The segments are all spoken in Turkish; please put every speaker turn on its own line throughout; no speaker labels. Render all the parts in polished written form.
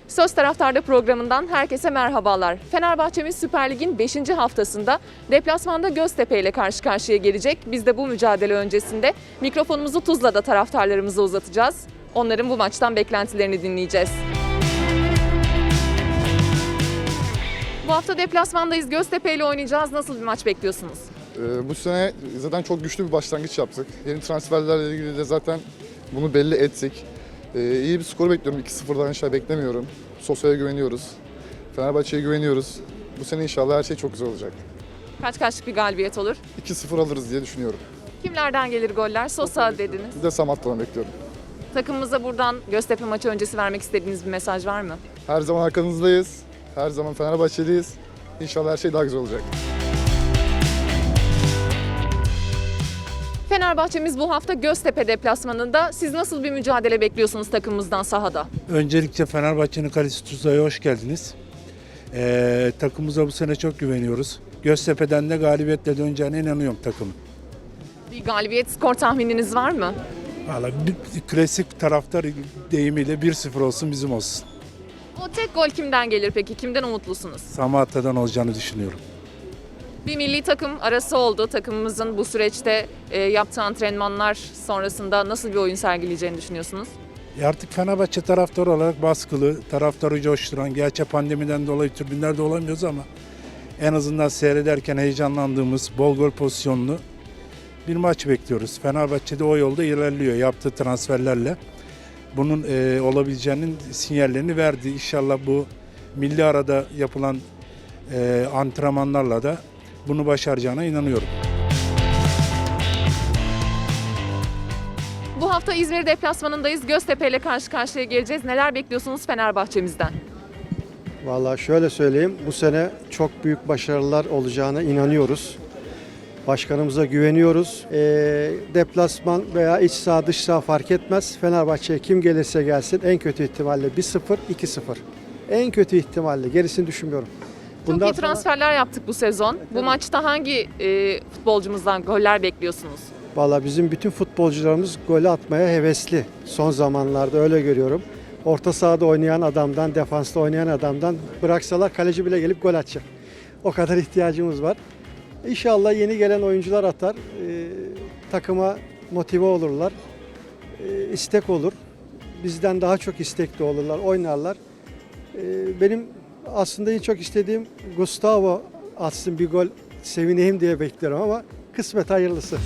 Söz Taraftar'da programından herkese merhabalar. Fenerbahçe'miz Süper Lig'in 5. haftasında deplasmanda Göztepe ile karşı karşıya gelecek. Biz de bu mücadele öncesinde mikrofonumuzu Tuzla'da taraftarlarımıza uzatacağız. Onların bu maçtan beklentilerini dinleyeceğiz. Bu hafta deplasmandayız. Göztepe ile oynayacağız. Nasıl bir maç bekliyorsunuz?
Bu sene zaten çok güçlü bir başlangıç yaptık. Yeni transferlerle ilgili de zaten bunu belli ettik. İyi bir skor bekliyorum. 2-0'dan aşağı beklemiyorum. Sosa'ya güveniyoruz. Fenerbahçe'ye güveniyoruz. Bu sene inşallah her şey çok güzel olacak.
Kaç kaçlık bir galibiyet olur?
2-0 alırız diye düşünüyorum.
Kimlerden gelir goller? Sosa dediniz.
Bir de Samatta'dan bekliyorum.
Takımımıza buradan Göztepe maçı öncesi vermek istediğiniz bir mesaj var mı?
Her zaman arkanızdayız. Her zaman Fenerbahçeliyiz. İnşallah her şey daha güzel olacak.
Fenerbahçe'miz bu hafta Göztepe deplasmanında. Siz nasıl bir mücadele bekliyorsunuz takımımızdan sahada?
Öncelikle Fenerbahçe'nin kalesi Tuzla'ya hoş geldiniz. Takımımıza bu sene çok güveniyoruz. Göztepe'den de galibiyetle döneceğine inanıyorum takımın.
Bir galibiyet skor tahmininiz var mı?
Vallahi bir klasik taraftar deyimiyle 1-0 olsun bizim olsun.
O tek gol kimden gelir peki? Kimden umutlusunuz?
Samatta'dan olacağını düşünüyorum.
Bir milli takım arası oldu. Takımımızın bu süreçte yaptığı antrenmanlar sonrasında nasıl bir oyun sergileyeceğini düşünüyorsunuz?
Artık Fenerbahçe taraftarı olarak baskılı, taraftarı coşturan, gerçi pandemiden dolayı tribünlerde olamıyoruz ama en azından seyrederken heyecanlandığımız, bol gol pozisyonlu bir maç bekliyoruz. Fenerbahçe de o yolda ilerliyor yaptığı transferlerle. Bunun olabileceğinin sinyallerini verdi. İnşallah bu milli arada yapılan antrenmanlarla da bunu başaracağına inanıyorum.
Bu hafta İzmir deplasmanındayız. Göztepe ile karşı karşıya geleceğiz. Neler bekliyorsunuz Fenerbahçe'mizden?
Vallahi şöyle söyleyeyim, bu sene çok büyük başarılar olacağına inanıyoruz. Başkanımıza güveniyoruz. Deplasman veya iç saha dış saha fark etmez. Fenerbahçe'ye kim gelirse gelsin en kötü ihtimalle 1-0, 2-0. En kötü ihtimalle, gerisini düşünmüyorum.
Çok iyi transferler yaptık bu sezon. Bu maçta hangi futbolcumuzdan goller bekliyorsunuz?
Vallahi bizim bütün futbolcularımız golü atmaya hevesli. Son zamanlarda öyle görüyorum. Orta sahada oynayan adamdan, defansta oynayan adamdan bıraksalar kaleci bile gelip gol atacak. O kadar ihtiyacımız var. İnşallah yeni gelen oyuncular atar, takıma motive olurlar, istek olur. Bizden daha çok istekli olurlar, oynarlar. Benim aslında en çok istediğim Gustavo atsın bir gol, sevineyim diye bekliyorum ama kısmet hayırlısı.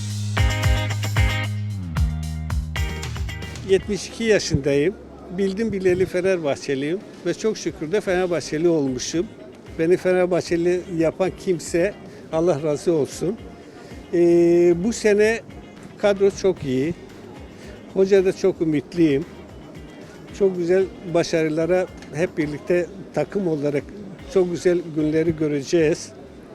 72 yaşındayım. Bildim bileli Fenerbahçeliyim ve çok şükür de Fenerbahçeli olmuşum. Beni Fenerbahçeli yapan kimse Allah razı olsun. Bu sene kadro çok iyi. Hoca da çok ümitliyim. Çok güzel başarılara hep birlikte takım olarak çok güzel günleri göreceğiz.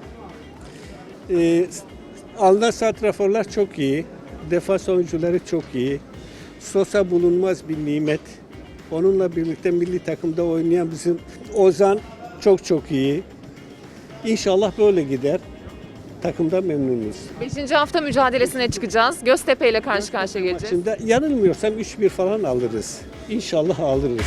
Alınan santraforlar çok iyi. Defans oyuncuları çok iyi. Sosa bulunmaz bir nimet. Onunla birlikte milli takımda oynayan bizim Ozan çok iyi. İnşallah böyle gider. Takımda memnunuz.
5. hafta mücadelesine çıkacağız. Göztepe ile karşı karşıya geleceğiz.
Şimdi yanılmıyorsam 3-1 falan alırız. İnşallah alırız.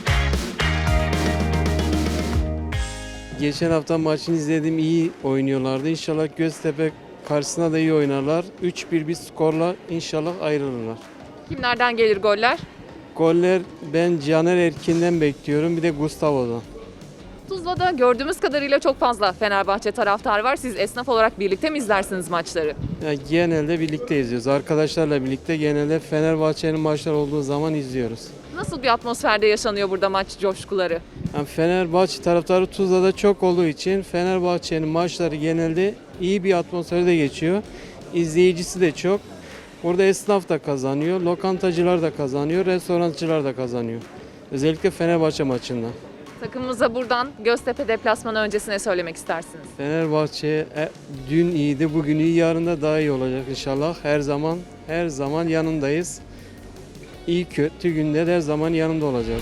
Geçen hafta maçını izledim, iyi oynuyorlardı. İnşallah Göztepe karşısına da iyi oynarlar. 3-1 bir skorla inşallah ayrılırlar.
Kimlerden gelir goller?
Goller ben Caner Erkin'den bekliyorum, bir de Gustavo'dan.
Tuzla'da gördüğümüz kadarıyla çok fazla Fenerbahçe taraftarı var. Siz esnaf olarak birlikte mi izlersiniz maçları?
Yani genelde birlikte izliyoruz. Arkadaşlarla birlikte genelde Fenerbahçe'nin maçları olduğu zaman izliyoruz.
Nasıl bir atmosferde yaşanıyor burada maç coşkuları?
Yani Fenerbahçe taraftarı Tuzla'da çok olduğu için Fenerbahçe'nin maçları genelde iyi bir atmosferde geçiyor. İzleyicisi de çok. Burada esnaf da kazanıyor, lokantacılar da kazanıyor, restorancılar da kazanıyor. Özellikle Fenerbahçe maçında.
Takımımıza buradan Göztepe deplasmanı öncesine söylemek istersiniz.
Fenerbahçe dün iyiydi, bugün iyi, yarın da daha iyi olacak inşallah. Her zaman yanındayız. İyi kötü günde de her zaman yanında olacağız.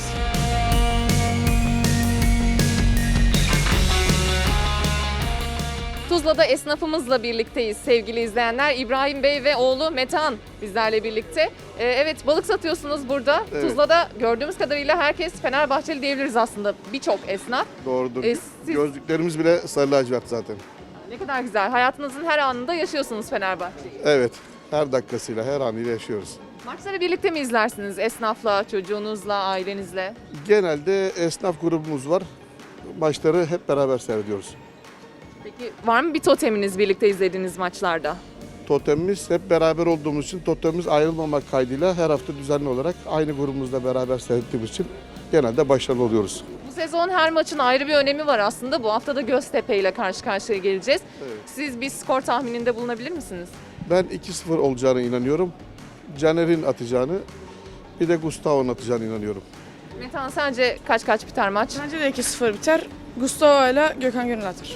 Tuzla'da esnafımızla birlikteyiz sevgili izleyenler. İbrahim Bey ve oğlu Metehan bizlerle birlikte. Evet, balık satıyorsunuz burada.
Evet.
Tuzla'da gördüğümüz kadarıyla herkes Fenerbahçeli diyebiliriz aslında. Birçok esnaf.
Doğrudur.
Siz
Gözlüklerimiz bile sarı lacivert zaten.
ne kadar güzel. Hayatınızın her anında yaşıyorsunuz Fenerbahçe'yi.
Evet. Her dakikasıyla, her anıyla yaşıyoruz.
Maçları birlikte mi izlersiniz? Esnafla, çocuğunuzla, ailenizle?
Genelde esnaf grubumuz var. Maçları hep beraber seyrediyoruz.
Peki var mı bir toteminiz birlikte izlediğiniz maçlarda?
Totemimiz hep beraber olduğumuz için totemimiz ayrılmamak kaydıyla her hafta düzenli olarak aynı grubumuzla beraber seyrettiğimiz için genelde başarılı oluyoruz.
Bu sezon her maçın ayrı bir önemi var aslında. Bu hafta da Göztepe ile karşı karşıya geleceğiz.
Evet.
Siz bir skor tahmininde bulunabilir misiniz?
Ben 2-0 olacağına inanıyorum. Caner'in atacağını, bir de Gustavo'nun atacağına inanıyorum.
Metehan, sence kaç biter maç?
Bence de 2-0 biter. Gustavo ile Gökhan Gönül atar.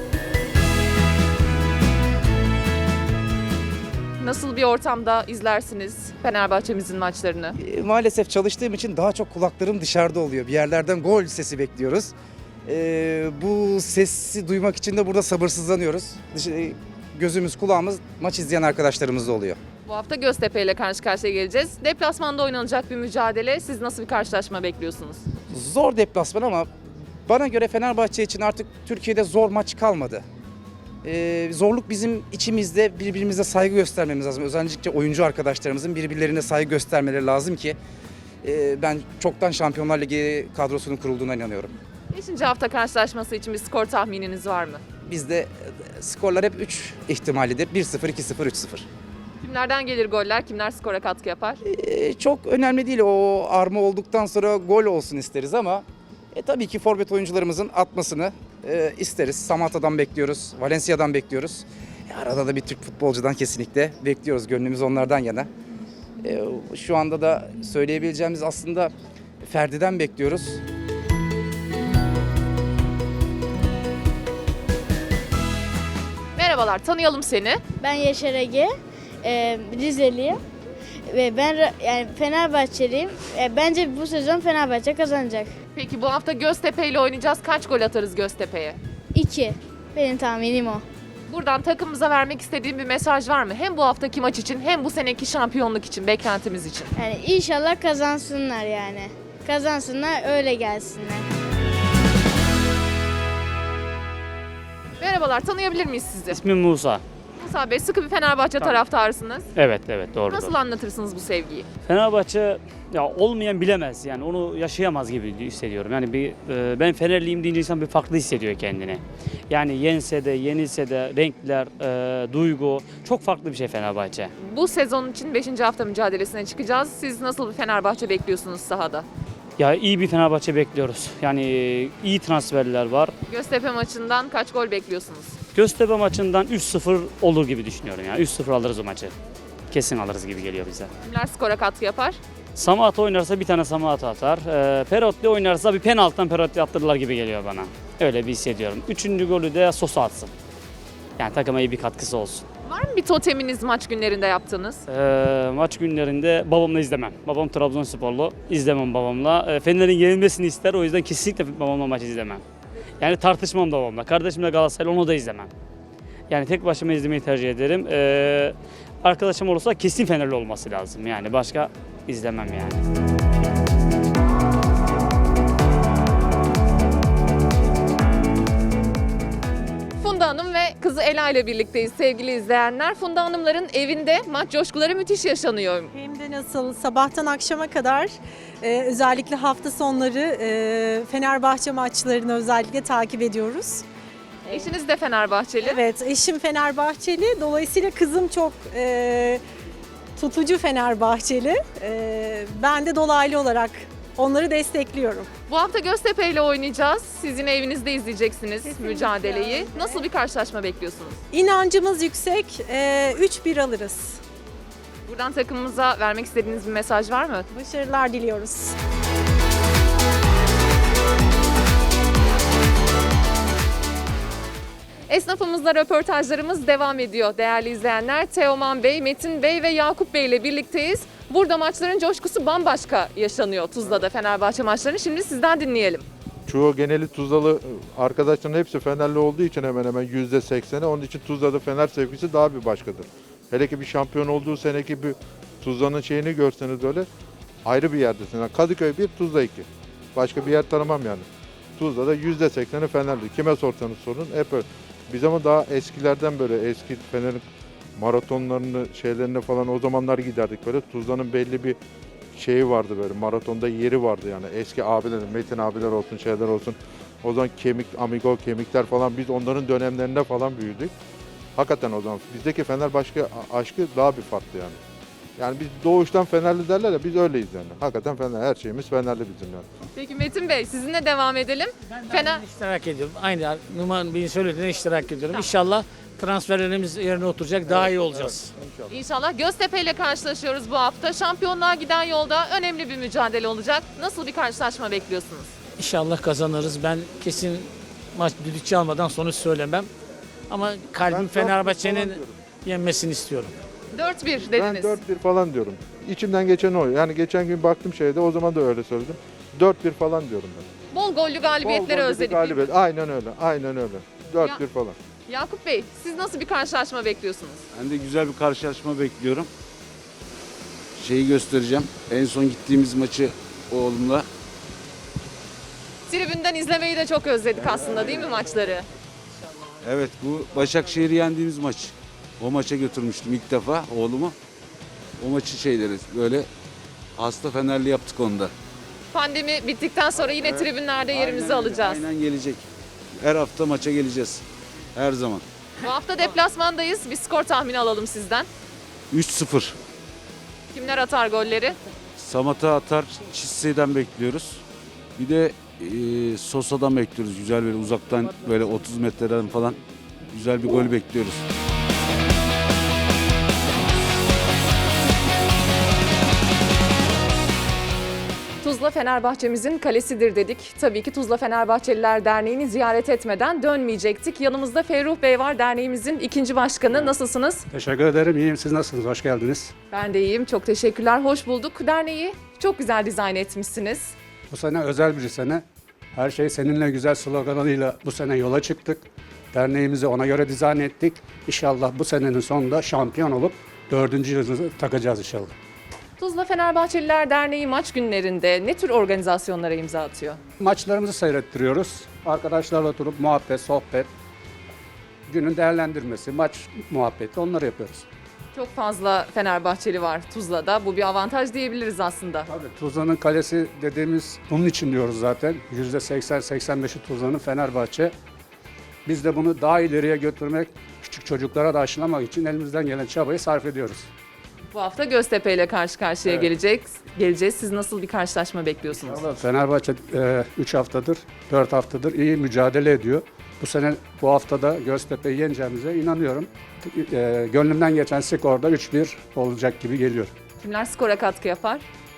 Nasıl bir ortamda izlersiniz Fenerbahçe'mizin maçlarını?
Maalesef çalıştığım için daha çok kulaklarım dışarıda oluyor. Bir yerlerden gol sesi bekliyoruz. Bu sesi duymak için de burada sabırsızlanıyoruz. Gözümüz kulağımız maç izleyen arkadaşlarımızda oluyor.
Bu hafta Göztepe ile karşı karşıya geleceğiz. Deplasmanda oynanacak bir mücadele. Siz nasıl bir karşılaşma bekliyorsunuz?
Zor deplasman ama bana göre Fenerbahçe için artık Türkiye'de zor maç kalmadı. Zorluk bizim içimizde, birbirimize saygı göstermemiz lazım. Özellikle oyuncu arkadaşlarımızın birbirlerine saygı göstermeleri lazım ki ben çoktan Şampiyonlar Ligi kadrosunun kurulduğuna inanıyorum.
5. hafta karşılaşması için bir skor tahmininiz var mı?
Bizde skorlar hep 3 ihtimalidir. 1-0, 2-0, 3-0.
Kimlerden gelir goller? Kimler skora katkı yapar?
Çok önemli değil. O arma olduktan sonra gol olsun isteriz ama tabii ki forvet oyuncularımızın atmasını isteriz. Samatta'dan bekliyoruz, Valencia'dan bekliyoruz. Arada da bir Türk futbolcudan kesinlikle bekliyoruz. Gönlümüz onlardan yana. Şu anda da söyleyebileceğimiz aslında Ferdi'den bekliyoruz.
Merhabalar, tanıyalım seni.
Ben Yaşar Ege, Rizeliyim ve ben yani Fenerbahçeliyim. Bence bu sezon Fenerbahçe kazanacak.
Peki bu hafta Göztepe ile oynayacağız. Kaç gol atarız Göztepe'ye?
2. Benim tahminim o.
Buradan takımımıza vermek istediğim bir mesaj var mı? Hem bu haftaki maç için hem bu seneki şampiyonluk için, beklentimiz için.
Yani inşallah kazansınlar yani. Kazansınlar, öyle gelsinler.
Merhabalar, tanıyabilir miyiz sizi?
İsmim Musa.
Musa Bey, sıkı bir Fenerbahçe taraftarısınız.
Evet doğrudur.
Nasıl anlatırsınız bu sevgiyi?
Fenerbahçe ya olmayan bilemez yani onu yaşayamaz gibi hissediyorum. Yani ben Fenerliyim deyince insan bir farklı hissediyor kendini. Yani yense de yenilse de renkler, duygu çok farklı bir şey Fenerbahçe.
Bu sezon için 5. hafta mücadelesine çıkacağız. Siz nasıl bir Fenerbahçe bekliyorsunuz sahada?
Ya iyi bir Fenerbahçe bekliyoruz. Yani iyi transferler var.
Göztepe maçından kaç gol bekliyorsunuz?
Göztepe maçından 3-0 olur gibi düşünüyorum yani. 3-0 alırız o maçı. Kesin alırız gibi geliyor bize.
Kimler skora katkı yapar?
Samatta oynarsa bir tane Samatta atar. Perotti oynarsa bir penaltıdan Perotti attırırlar gibi geliyor bana. Öyle bir hissediyorum. 3. golü de Sosa atsın. Yani takıma iyi bir katkısı olsun.
Var mı bir toteminiz maç günlerinde yaptığınız?
Maç günlerinde babamla izlemem. Babam Trabzonsporlu. İzlemem babamla. Fener'in yenilmesini ister. O yüzden kesinlikle babamla maç izlemem. Yani tartışmam da babamla. Kardeşimle Galatasaraylı onu da izlemem. Yani tek başıma izlemeyi tercih ederim. Arkadaşım olursa kesin Fenerli olması lazım. Yani başka izlemem yani.
Funda Hanım ve kızı Ela ile birlikteyiz sevgili izleyenler. Funda Hanımların evinde maç coşkuları müthiş yaşanıyor.
Hem de nasıl sabahtan akşama kadar özellikle hafta sonları Fenerbahçe maçlarını özellikle takip ediyoruz.
Eşiniz de Fenerbahçeli.
Evet, eşim Fenerbahçeli, dolayısıyla kızım çok tutucu Fenerbahçeli. Ben de dolaylı olarak onları destekliyorum.
Bu hafta Göztepe ile oynayacağız. Siz yine evinizde izleyeceksiniz
Kesinlikle
mücadeleyi.
öyle.
Nasıl bir karşılaşma bekliyorsunuz?
İnancımız yüksek, 3-1 alırız.
Buradan takımımıza vermek istediğiniz bir mesaj var mı?
Başarılar diliyoruz.
Esnafımızla röportajlarımız devam ediyor değerli izleyenler. Teoman Bey, Metin Bey ve Yakup Bey ile birlikteyiz. Burada maçların coşkusu bambaşka yaşanıyor Tuzla'da Fenerbahçe maçlarını. Şimdi sizden dinleyelim.
çoğu geneli Tuzlalı arkadaşların hepsi Fenerli olduğu için hemen hemen %80'i. Onun için Tuzla'da Fener sevgisi daha bir başkadır. Hele ki bir şampiyon olduğu seneki bir Tuzla'nın şeyini görseniz öyle ayrı bir yerdesin. Yani Kadıköy 1, Tuzla 2. Başka bir yer tanımam yani. Tuzla'da %80'i Fenerli. Kime sorsanız sorun hep öyle. Biz ama daha eskilerden böyle eski Fener'in maratonlarını şeylerini falan o zamanlar giderdik böyle. Tuzla'nın belli bir şeyi vardı böyle maratonda yeri vardı yani eski abiler, Metin abiler olsun şeyler olsun. O zaman Amigo kemikler falan biz onların dönemlerinde falan büyüdük. Hakikaten o zaman bizdeki Fenerbahçe aşkı daha bir farklı yani. Yani biz doğuştan Fenerli derler ya biz öyleyiz yani. Hakikaten Fener her şeyimiz Fenerli bizim yani.
Peki Metin Bey sizinle devam edelim. Fener
İştirak ediyorum. Aynı Numan Bey'in söylediğine iştirak ediyorum. İnşallah transferlerimiz yerine oturacak, daha iyi olacağız.
İnşallah Göztepe ile karşılaşıyoruz bu hafta. Şampiyonluğa giden yolda önemli bir mücadele olacak. Nasıl bir karşılaşma bekliyorsunuz?
İnşallah kazanırız. Ben kesin maç düdük çalmadan sonuç söylemem. Ama kalbim Fenerbahçe'nin yenmesini istiyorum.
4-1
Ben
dediniz.
4-1 falan diyorum. İçimden geçen o. Yani geçen gün baktım şeyde o zaman da öyle söyledim. 4-1 falan diyorum ben.
Bol gollü galibiyetleri
Bol gollü bir
özledik.
galibiyet. Aynen öyle. Aynen öyle. 4-1 falan.
Yakup Bey siz nasıl bir karşılaşma bekliyorsunuz?
Ben de güzel bir karşılaşma bekliyorum. Şeyi göstereceğim. En son gittiğimiz maçı oğlumla.
Tribünden izlemeyi de çok özledik aslında değil mi maçları?
Evet, bu Başakşehir'i yendiğimiz maç. O maça götürmüştüm ilk defa oğlumu. O maçı şeyleri böyle hasta Fenerli yaptık onda.
Pandemi bittikten sonra yine tribünlerde yerimizi alacağız.
Aynen gelecek. Her hafta maça geleceğiz. Her zaman.
Bu hafta deplasmandayız. Bir skor tahmini alalım sizden.
3-0.
Kimler atar golleri?
Samat'a atar, Çissi'den bekliyoruz. Bir de Sosa'dan bekliyoruz. Güzel böyle uzaktan böyle 30 metreden falan güzel bir gol bekliyoruz.
Tuzla Fenerbahçemizin kalesidir dedik. Tabii ki Tuzla Fenerbahçeliler Derneği'ni ziyaret etmeden dönmeyecektik. Yanımızda Ferruh Bey var, derneğimizin ikinci başkanı. Nasılsınız?
Teşekkür ederim. İyiyim. Siz nasılsınız? Hoş geldiniz.
Ben de iyiyim. Çok teşekkürler. Hoş bulduk. Derneği çok güzel dizayn etmişsiniz.
Bu sene özel bir sene. Her şey seninle güzel sloganıyla bu sene yola çıktık. Derneğimizi ona göre dizayn ettik. İnşallah bu senenin sonunda şampiyon olup 4. yıldızı takacağız inşallah.
Tuzla Fenerbahçeliler Derneği maç günlerinde ne tür organizasyonlara imza atıyor?
Maçlarımızı seyrettiriyoruz. Arkadaşlarla oturup muhabbet, sohbet, günün değerlendirmesi, maç muhabbeti onları yapıyoruz.
Çok fazla Fenerbahçeli var Tuzla'da. Bu bir avantaj diyebiliriz aslında.
Tabii Tuzla'nın kalesi dediğimiz bunun için diyoruz zaten. %80-85'i Tuzla'nın Fenerbahçe. Biz de bunu daha ileriye götürmek, küçük çocuklara da aşılamak için elimizden gelen çabayı sarf ediyoruz.
Bu hafta Göztepe ile karşı karşıya geleceğiz. Siz nasıl bir karşılaşma bekliyorsunuz?
Fenerbahçe 3 haftadır, 4 haftadır iyi mücadele ediyor. Bu sene bu haftada Göztepe'yi yeneceğimize inanıyorum. Gönlümden geçen skorda 3-1 olacak gibi geliyor.
Kimler skora katkı yapar?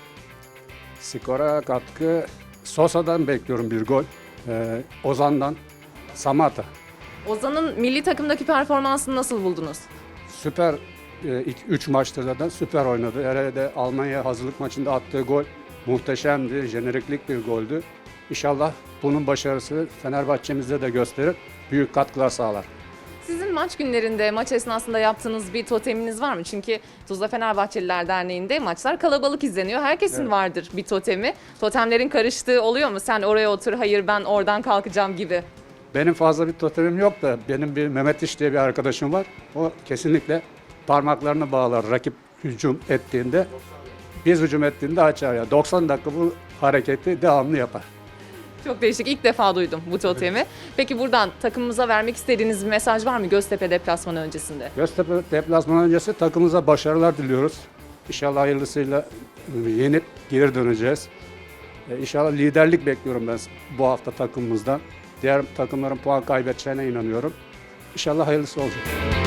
Skora katkı Sosa'dan bekliyorum bir gol. Ozan'dan Samata.
Ozan'ın milli takımdaki performansını nasıl buldunuz?
Süper 3 maçtır zaten süper oynadı. Herhalde Almanya hazırlık maçında attığı gol muhteşemdi. Jeneriklik bir goldü. İnşallah bunun başarısı Fenerbahçe'mizde de gösterir. Büyük katkılar sağlar.
Sizin maç günlerinde, maç esnasında yaptığınız bir toteminiz var mı? Çünkü Tuzla Fenerbahçeliler Derneği'nde maçlar kalabalık izleniyor. Herkesin vardır bir totemi. Totemlerin karıştığı oluyor mu? Sen oraya otur, hayır ben oradan kalkacağım gibi.
Benim fazla bir totemim yok da benim bir Mehmet İş diye bir arkadaşım var. O kesinlikle parmaklarını bağlar rakip hücum ettiğinde. Biz hücum ettiğinde açar ya. 90 dakika bu hareketi devamlı yapar.
Çok değişik. İlk defa duydum bu totemi. Peki buradan takımımıza vermek istediğiniz bir mesaj var mı Göztepe deplasmanı öncesinde?
Göztepe deplasmanı öncesi takımımıza başarılar diliyoruz. İnşallah hayırlısıyla yenip geri döneceğiz. İnşallah liderlik bekliyorum ben bu hafta takımımızdan. Diğer takımların puan kaybedeceğine inanıyorum. İnşallah hayırlısı olacak.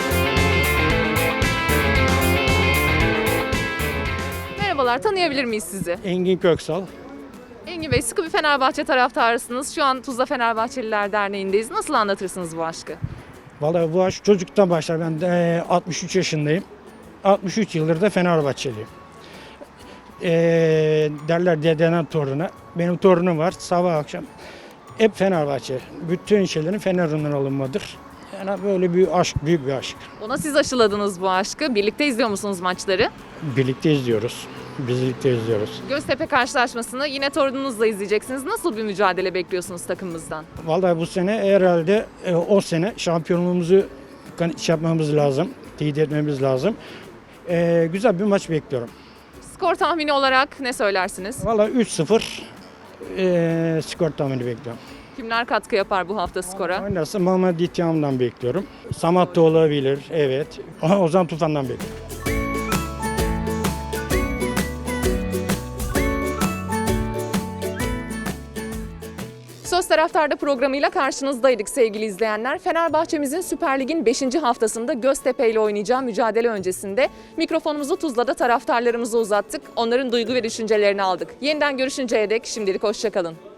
Merhabalar, tanıyabilir miyiz sizi?
Engin Köksal.
Engin Bey, sıkı bir Fenerbahçe taraftarısınız. Şu an Tuzla Fenerbahçeliler Derneği'ndeyiz. Nasıl anlatırsınız bu aşkı?
Vallahi bu aşk çocuktan başlar. Ben de 63 yaşındayım. 63 yıldır da Fenerbahçeliyim. Derler dededen toruna. Benim torunum var. Sabah akşam hep Fenerbahçe. Bütün şeylerin Fener'den alınmadır. Yani böyle bir aşk, büyük bir aşk.
Ona siz aşıladınız bu aşkı. Birlikte izliyor musunuz maçları?
Birlikte izliyoruz. Birlikte izliyoruz.
Göztepe karşılaşmasını yine torununuzla izleyeceksiniz. Nasıl bir mücadele bekliyorsunuz takımımızdan?
Vallahi bu sene herhalde o sene şampiyonluğumuzu yapmamız lazım. Teyit etmemiz lazım. Güzel bir maç bekliyorum.
Skor tahmini olarak ne söylersiniz?
Vallahi 3-0 skor tahmini bekliyorum.
Kimler katkı yapar bu hafta skora?
Oynarsa Mehmet Dityam'dan bekliyorum. Samat da olabilir, evet. Ozan Tufan'dan bekliyorum.
Söz Taraftar'da programıyla karşınızdaydık sevgili izleyenler. Fenerbahçe'mizin Süper Lig'in 5. haftasında Göztepe ile oynayacağı mücadele öncesinde mikrofonumuzu Tuzla'da taraftarlarımıza uzattık. Onların duygu ve düşüncelerini aldık. Yeniden görüşünceye dek şimdilik hoşça kalın.